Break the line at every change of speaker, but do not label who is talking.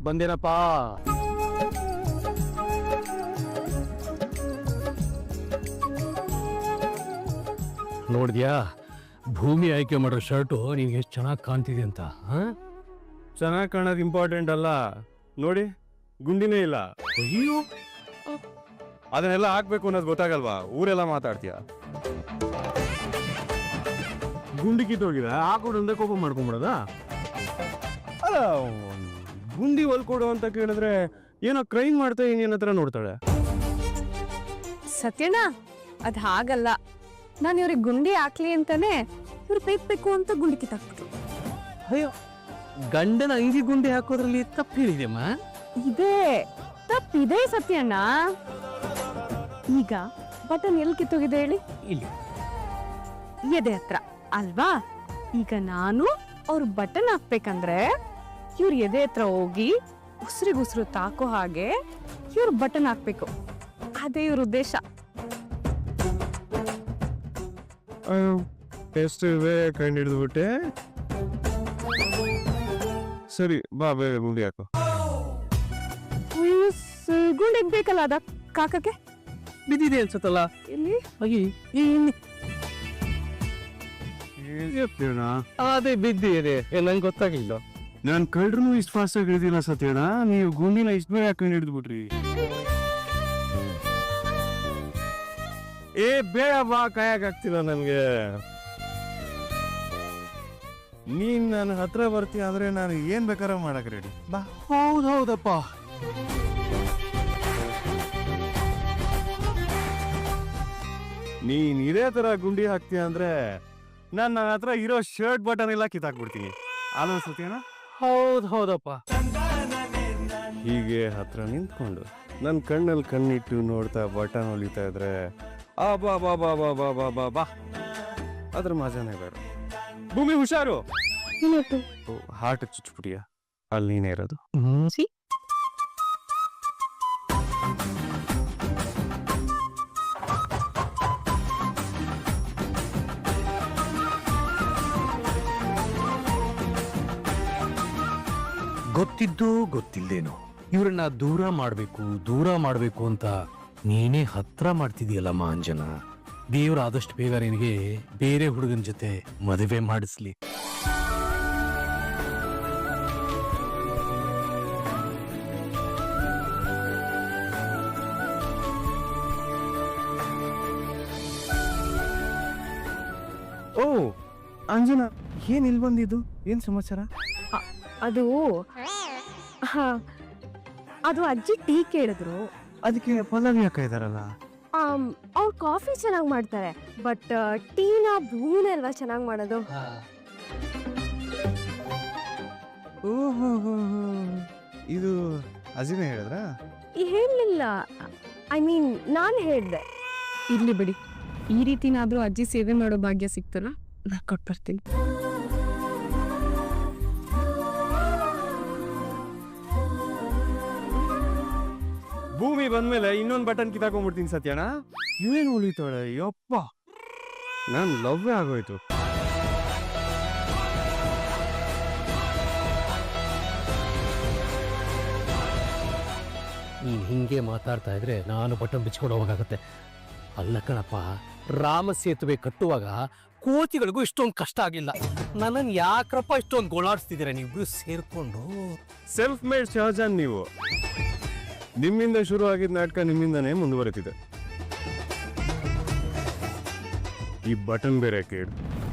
ಬಂದೇನಪ್ಪ. ನೋಡಿದ್ಯಾ ಭೂಮಿ ಆಯ್ಕೆ ಮಾಡೋ ಶರ್ಟು ನಿನ್ಗೆ ಎಷ್ಟು ಚೆನ್ನಾಗಿ ಕಾಣ್ತಿದೆ ಅಂತ.
ಚೆನ್ನಾಗಿ ಕಾಣೋದು ಇಂಪಾರ್ಟೆಂಟ್ ಅಲ್ಲ, ನೋಡಿ ಗುಂಡಿನೇ ಇಲ್ಲ.
ಅಯ್ಯೋ,
ಅದನ್ನೆಲ್ಲ ಹಾಕ್ಬೇಕು ಅನ್ನೋದು ಗೊತ್ತಾಗಲ್ವಾ? ಊರೆಲ್ಲ ಮಾತಾಡ್ತೀಯ. ಗುಂಡಿ ಕಿತ್ತೋಗಿದೆ, ಹಾಕೊಡು ಅಂದ ಕೋಪ ಮಾಡ್ಕೊಂಬಿಡೋದ? ಅಲ್ಲ, ಗುಂಡಿ ಹೊಲ್ಕೊಡು ಅಂತ ಕೇಳಿದ್ರೆ ಏನೋ ಕ್ರೈಮ್ ಮಾಡ್ತಾ ಏನೇನ ಹತ್ರ ನೋಡ್ತಾಳೆ.
ಸತ್ಯಣ್ಣ, ಅದ್ ಹಾಗಲ್ಲ. ನಾನು ಇವ್ರಿಗೆ ಗುಂಡಿ ಹಾಕ್ಲಿ ಅಂತಾನೆ ಇವ್ರು ಬೇಕು ಅಂತ ಗುಂಡಿ ಕಿತ್ತಾಕ್ಬಿಟ್ರು.
ಅಯ್ಯೋ, ಗಂಡನ ಅಂಗಿ ಗುಂಡಿ ಹಾಕೋದ್ರಲ್ಲಿ ತಪ್ಪು ಹೇಳಿದೆಮ್ಮ.
ಇದೇ ತಪ್ಪಿದೆ ಸತ್ಯಣ್ಣ. ಈಗ ಬಟನ್ ಎಲ್ಲಿ ಕಿತ್ತೋಗಿದೆ ಹೇಳಿ?
ಇಲ್ಲಿ
ಎದೆ ಹತ್ರ ಅಲ್ವಾ? ಈಗ ನಾನು ಅವ್ರ ಬಟನ್ ಹಾಕ್ಬೇಕಂದ್ರೆ ಇವ್ರ ಎದೆ ಹತ್ರ ಹೋಗಿ ಉಸಿರಿಗುಸಿರು ತಾಕೋ ಹಾಗೆ ಇವ್ರ ಬಟನ್ ಹಾಕ್ಬೇಕು. ಅದೇ ಇವ್ರ ಉದ್ದೇಶ.
ಎಷ್ಟು ಇವೆ ಕಂಡು ಹಿಡಿದ್ಬಿಟ್ಟೆ. ಸರಿ ಬಾ, ಬೇಗ ಗುಂಡಿ ಹಾಕು.
ಗುಂಡಿಗೆ ಬೇಕಲ್ಲ ಅದ ಕಾಕಕ್ಕೆ.
ಬಿದ್ದಿದೆ ಅನ್ಸತ್ತಲ್ಲ
ಇಲ್ಲಿ
ಅದೇ ಬಿದ್ದಿದೆ, ನಂಗೆ ಗೊತ್ತಾಗಿಲ್ಲ.
ನಾನು ಕಳ್ರು ಇಷ್ಟು ಫಾಸ್ಟ್ ಆಗಿ ಹಿಡಿದಿಲ್ಲ ಸತ್ಯಣ್ಣ. ನೀವು ಗುಂಡಿನ ಇಷ್ಟು ಬೇಗ ಹಾಕೊಂಡು ಹಿಡಿದ್ಬಿಟ್ರಿ. ಬೇಡ ಬಾ, ಕಾಯಕ್ ಆಗ್ತಿಲ್ಲ ನನ್ಗೆ. ನೀನ್ ನನ್ನ ಹತ್ರ ಬರ್ತೀಯ ಅಂದ್ರೆ ನಾನು ಏನ್ ಬೇಕಾದ್ರೂ ಮಾಡಕ್ ರೆಡಿ. ಬಾ.
ಹೌದಪ್ಪ.
ನೀನ್ ಇದೇ ತರ ಗುಂಡಿ ಹಾಕ್ತೀಯ ಅಂದ್ರೆ ನನ್ನ ಹತ್ರ ಇರೋ ಶರ್ಟ್ ಬಟನ್ ಎಲ್ಲ ಕಿತ್ತಾಕ್ಬಿಡ್ತೀನಿ. ಅಲ್ವ ಸತ್ಯಣ್ಣ?
ಹೌದಪ್ಪ.
ಹೀಗೆ ಹತ್ರ ನಿಂತ್ಕೊಂಡು ನನ್ನ ಕಣ್ಣಲ್ಲಿ ಕಣ್ಣಿಟ್ಟು ನೋಡ್ತಾ ಬಟನ್ ಹೊಲಿತಾ ಇದ್ರೆ ಬಾ ಬಾ ಬಾ ಬಾ ಬಾ ಬಾ ಬಾ ಬಾ, ಅದ್ರ ಮಜಾನೇ ಬೇರೆ. ಭೂಮಿ ಹುಷಾರು, ಹಾರ್ಟ್ ಚುಚ್ಬಿಟ್ಟಿಯ? ಅಲ್ಲಿ ನೀನೇ ಇರೋದು.
ಗೊತ್ತಿದ್ದು ಗೊತ್ತಿಲ್ದೇನೋ ಇವ್ರನ್ನ ದೂರ ಮಾಡ್ಬೇಕು ಅಂತ ನೀನೇ ಹತ್ರ ಮಾಡ್ತಿದೀಯಲ್ಲಮ್ಮ ಅಂಜನಾ. ದೇವ್ರ ಆದಷ್ಟು ಬೇಗ ನಿನಗೆ ಬೇರೆ ಹುಡುಗನ ಜೊತೆ ಮದುವೆ ಮಾಡಿಸ್ಲಿ.
ಓ ಅಂಜನಾ, ಏನ್ ಇಲ್ಲಿ ಬಂದಿದ್ದು? ಏನ್ ಸಮಾಚಾರ?
ಅದು ಅದು ಅಜ್ಜಿ ಟೀ ಕೇಳಿದ್ರು.
ಅದಕ್ಕೆ ಪಲ್ಲವಿ ಹಾಕ ಇದಾರಲ್ಲ.
ಅವ್ರು ಕಾಫಿ ಚೆನ್ನಾಗಿ ಮಾಡ್ತಾರೆ, ಬಟ್ ಟೀನ ಭೂಮಿನೇ ಅಲ್ವಾ ಚೆನ್ನಾಗಿ ಮಾಡೋದು.
ಓಹೋ, ಇದು ಅಜಿನೇ ಹೇಳಿದ್ರ?
ಹೇಳಲಿಲ್ಲ, ಐ ಮೀನ್ ನಾನು ಹೇಳ್ದೆ. ಇರ್ಲಿ ಬಿಡಿ, ಈ ರೀತಿನಾದ್ರೂ ಅಜ್ಜಿ ಸೇವೆ ಮಾಡೋ ಭಾಗ್ಯ ಸಿಕ್ತಲ್ಲ, ನಾ ಕೊಟ್ಬರ್ತೀನಿ.
ಭೂಮಿ ಬಂದ್ಮೇಲೆ ಇನ್ನೊಂದು ಬಟನ್ ಕಿತ್ತಾಕೊಂಡ್ಬಿಡ್ತೀನಿ ಸತ್ಯಣ್ಣ. ಏನ್ ಉಳಿತಾಳೆ ಯಪ್ಪ, ನನ್ ಲವ್ವೇ ಆಗೋಯ್ತು.
ನೀನ್ ಹಿಂಗೆ ಮಾತಾಡ್ತಾ ಇದ್ರೆ ನಾನು ಬಟನ್ ಬಿಚ್ಕೊಂಡು ಹೋಗಾಗತ್ತೆ. ಅಲ್ಲ ಕಣಪ್ಪ, ರಾಮ ಸೇತುವೆ ಕಟ್ಟುವಾಗ ಕೋತಿಗಳಿಗೂ ಇಷ್ಟೊಂದು ಕಷ್ಟ ಆಗಿಲ್ಲ. ನನ್ನನ್ನು ಯಾಕ್ರಪ್ಪ ಇಷ್ಟೊಂದು ಗೋಳಾಡಿಸ್ತಿದ್ದೀರ ನೀವಿಬ್ರು ಸೇರ್ಕೊಂಡು?
ಸೆಲ್ಫ್ ಮೇಡ್ ಶಹಜಾನ್ ನೀವು. ನಿಮ್ಮಿಂದ ಶುರು ಆಗಿದ್ದ ನಾಟಕ ನಿಮ್ಮಿಂದನೇ ಮುಂದುವರೆತಿದೆ. ಈ ಬಟನ್ ಬೇರೆ ಕೇಳು.